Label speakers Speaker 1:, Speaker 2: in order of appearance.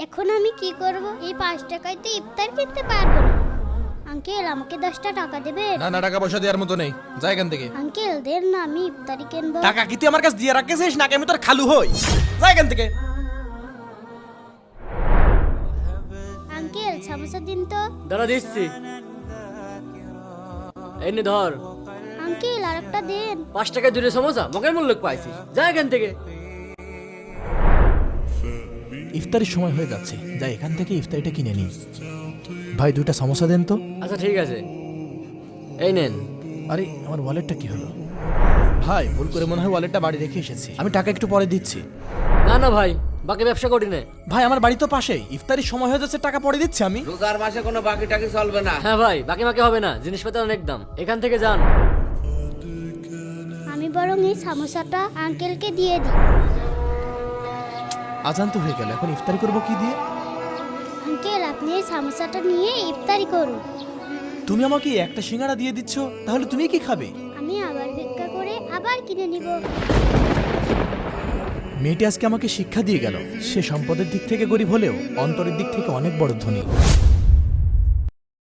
Speaker 1: এখন আমি কি করব? এই 5 টাকায় তো ইফতার কিনতে পারবো না। আঙ্কেল আমাকে 10টা টাকা দেবেন?
Speaker 2: না না, টাকা পয়সা দেওয়ার মতো নেই, যা এখান থেকে।
Speaker 1: আঙ্কেল দেন না, আমি ইফতারি কিনবো।
Speaker 2: টাকা কি তুই আমার কাছে দিয়ে রাখিস নাকি আমি তোর খালু হই? যা এখান থেকে।
Speaker 1: আঙ্কেল সামোসা দিন তো।
Speaker 3: দাঁড়া দিচ্ছি। এই নে ধর।
Speaker 1: আঙ্কেল আরেকটা দেন।
Speaker 3: 5 টাকায় 2টা সমোসা মগের মূল্য পাইছিস, যা এখান থেকে।
Speaker 2: ইফতারির সময় হয়ে যাচ্ছে, যা এখান থেকে ইফতারিটা কিনে নি। ভাই 2টা সমোসা দেন তো।
Speaker 3: আচ্ছা ঠিক আছে, এই নেন।
Speaker 2: আরে আমার ওয়ালেটটা কি হলো? ভাই ভুল করে মনে হয় ওয়ালেটটা বাড়ি রেখে এসেছি, আমি টাকা একটু পরে দিচ্ছি।
Speaker 3: না না ভাই, বাকি ব্যবসা করি না।
Speaker 2: ভাই আমার বাড়ি তো পাশেই, ইফতারির সময় হয়ে যাচ্ছে, টাকা পরে দিচ্ছি আমি।
Speaker 4: রোজার মাসে কোনো বাকি টাকি চলবে না।
Speaker 3: হ্যাঁ ভাই, বাকি বাকি হবে না, জিনিসপত্র অনেক দাম, এখান থেকে যান।
Speaker 1: আমি বরং এই সামোসাটা আঙ্কেলকে দিয়ে দিই।
Speaker 2: আজান তো হয়ে গেল, এখন ইফতারি করব কি দিয়ে?
Speaker 1: আঙ্কেল আপনি এই সামোসাটা নিয়ে ইফতারি করুন।
Speaker 2: তুমি আমাকে একটা সিঙ্গাড়া দিয়ে দিচ্ছ, তাহলে তুমি কি খাবে?
Speaker 1: আমি আবার ভিক্ষা করে আবার কিনে নিব।
Speaker 2: মেয়েটি আজকে আমাকে শিক্ষা দিয়ে গেল, সে সম্পদের দিক থেকে গরিব হলেও অন্তরের দিক থেকে অনেক বড় ধনী।